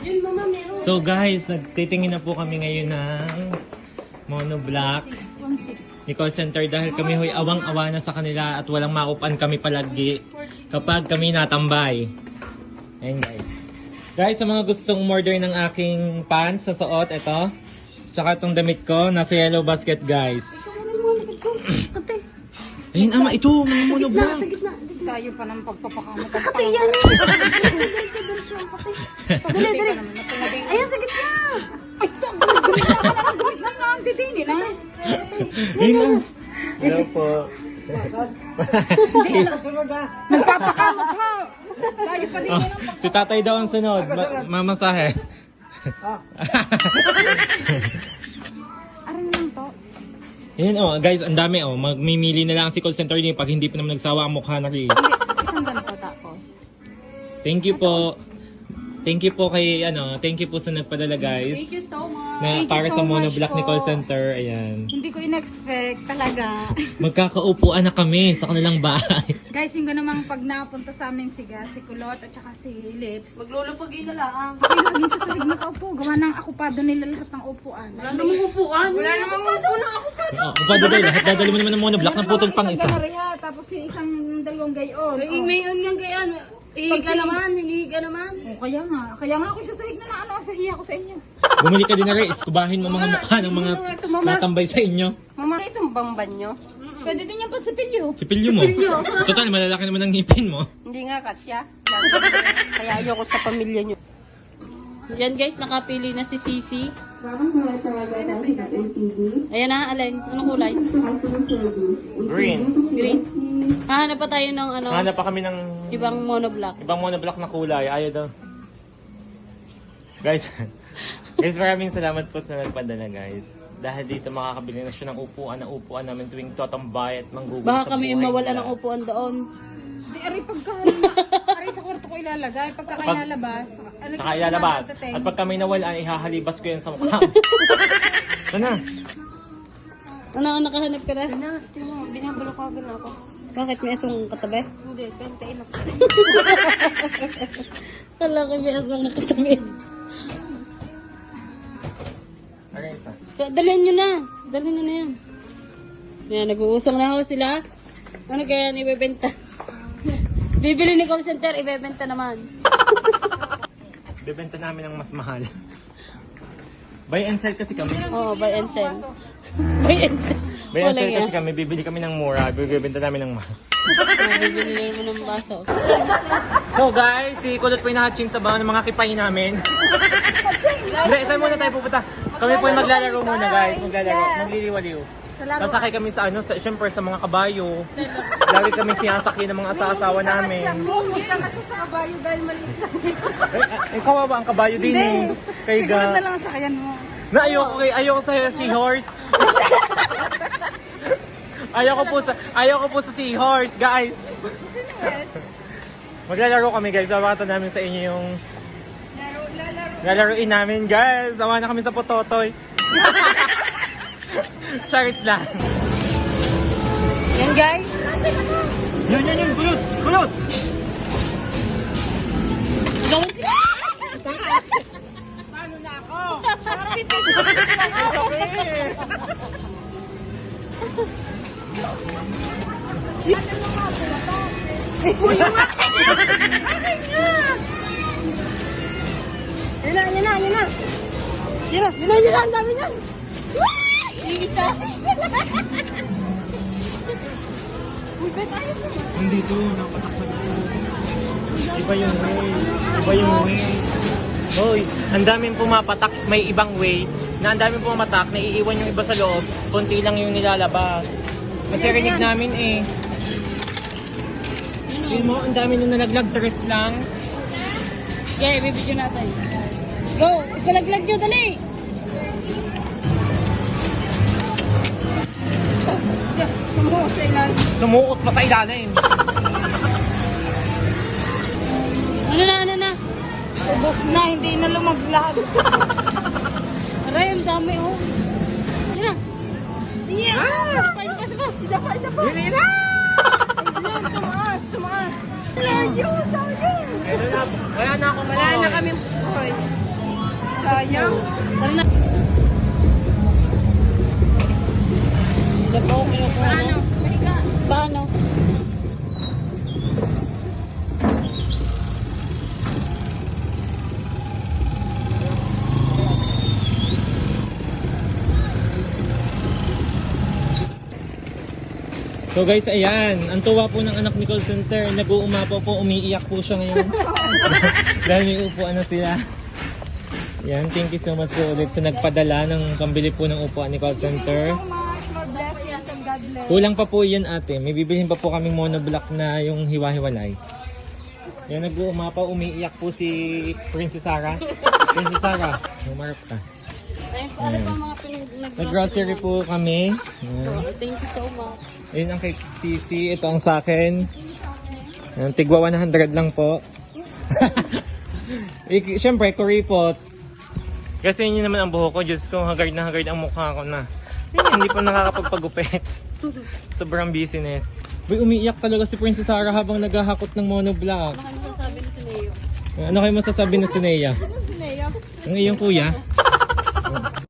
So guys, nagtitingin na po kami ngayon ng monoblock ni call center dahil kami hoy awang-awa na sa kanila at walang maupan kami palagi kapag kami natambay. Ayan guys. Guys, sa mga gustong order ng aking pants sa suot, ito. Tsaka itong damit ko, nasa yellow basket guys. Ayun ama, ito, may monoblock. Tayo pa ng pagpapakamot. Ate, yan! Dali, dali. Ayan, sa gitna! Ay, didini na. Ayun. Hello po. Nagpapakamot ha. Tayo pa din Oh, na. si tatay daw ang sunod. Mamasahe. Aran lang to. Yan oh, guys, ang dami oh. Magmimili na lang si call center niya pag hindi pa naman nagsawa ang mukha na rin. Hindi, isang ganito tapos. Thank you po. Thank you po kay thank you po sa nagpadala guys. Thank you so much. Na Thank you para so sa much monoblock ni po. call center, ayan. Hindi ko in-expect talaga. Magkakaupuan na kami sa kanilang bahay. Guys, yung namang pag napunta sa amin si Kulot at saka si Lips. Maglulupag na lang. Ay, lagi sa salig nakaupo. Gawa ng akupado nila lahat ng upuan. Wala namang upuan. Wala namang upuan. Oh, upado daw lahat dadali mo naman ng monoblock ng putol pang isa. Isang ganariya, tapos si isang dalawang gayon. May mayon nga gayan. Hinihiga naman, hinihiga naman. Oh, kaya nga ako siya sahig na sa hiya ko sa inyo. Bumili ka din na rin, iskubahin mo mga mukha ng mga natambay sa inyo. Mama, itong bang banyo? Pwede din yung pasipilyo. Sipilyo mo. Total, malalaki naman ang ngipin mo. Hindi nga kasya. Kaya ayoko sa pamilya nyo. Yan guys, nakapili na si Sisi. Ayan na, alin? Anong kulay? Green. Green. Hahanap pa tayo ng Hanap pa kami ng ibang monoblock. ibang monoblock na kulay. Ayaw daw. Guys, maraming salamat po sa nagpadala guys. Dahil dito makakabili na siya ng upuan namin tuwing tatambay at manggugulo sa buhay. Baka kami mawala ng upuan doon. Di, aray aray sa kwarto ko ilalagay. Pagka kayo lalabas. Saka ilalabas. At pag kami nawala, ihahalibas ko yan sa mukha. Sana. Ano, nakahanap ka na? Binabalo ka agad ako. Bakit may asong katabi? Hindi, kantain ako. Kala ko may asong nakatabi. Okay, isa. So, dalhin nyo na. Dalhin nyo na yan. Yan, nag-uusong na ho sila. Ano kaya yan ibebenta? Bibili ni call center, ibebenta naman. Bebenta namin ng mas mahal. Buy and sell kasi kami. Oo, buy and sell. Buy and sell. Buy and sell kasi kami, bibili kami ng mura, bibenta namin ng mahal. Bibili mo ng baso. So guys, si Kulot po yung nakatsing sa bawang ng mga kipay namin. Hindi, saan muna tayo pupunta? Kami po yung maglalaro muna guys, magliliwaliw. Sa Sasakay kami sa syempre sa mga kabayo. Lagi kami sinasakyan ng mga asawa namin. Isa na siya sa kabayo dahil maliit lang. Kawawa ang kabayo din eh. Kay Sigurad na Ga. lang sa kayan mo. Na ayoko sa seahorse. ayoko po sa seahorse, guys. Maglalaro kami guys. Babakata namin sa inyo yung lalaruin namin guys. Awa na kami sa pototoy. Charis lang. Yan guys. Yun. Kulot. Gawin sila. Paano na ako? Okay. Yan na. Ang dami niyan. Yung isa. Hindi to, napataksan ako. Iba yung way. Hoy, ang daming pumapatak, may ibang way. Na ang daming pumapatak, naiiwan yung iba sa loob. Konti lang yung nilalabas. Kasi rinig namin eh. Yun mo, ang dami nung nalaglag, tres lang. Okay, bibidyo natin. Go! Ipalaglag nyo, dali! Sumuot pa sa ilalim. Ano na? Ubos na, hindi na lumaglag. Aray, ang dami oh. Yan na. Yeah! Isa pa. Hindi na! Tumaas. Layo. Wala na akong Wala na kami. Hoy. sayang. Tara na. Ito po, Paano? Halika. Paano? So guys, ayan. Ang tuwa po ng anak ni call center. Nag-uumapaw po, umiiyak po siya ngayon. Dahil may upuan na sila. Yan, thank you so much po ulit sa nagpadala ng pambili po ng upuan ni call center. So much. Lord bless you and God bless. Kulang pa po yan ate. May bibilhin pa po kaming monoblock na yung hiwa-hiwalay. Yan, nag-uumapaw, umiiyak po si Princess Sarah. Princess Sarah, umarap ka. Ayun po, ano pa mga Nag-grocery po kami. Yan. Thank you so much. Ayun ang kay Sisi, ito ang sa akin. Yan, tigwa 100 lang po. Siyempre, kuripot. Kasi yun naman ang buhok ko. Diyos ko, hagard na hagard ang mukha ko na. Hindi pa nakakapagpagupit. Sobrang business. Uy, umiiyak talaga si Princess Sarah habang naghahakot ng monoblock. Ano kayo masasabi ni Sineo? Ano kayo masasabi na si Nea? Sineo? Ang iyong kuya?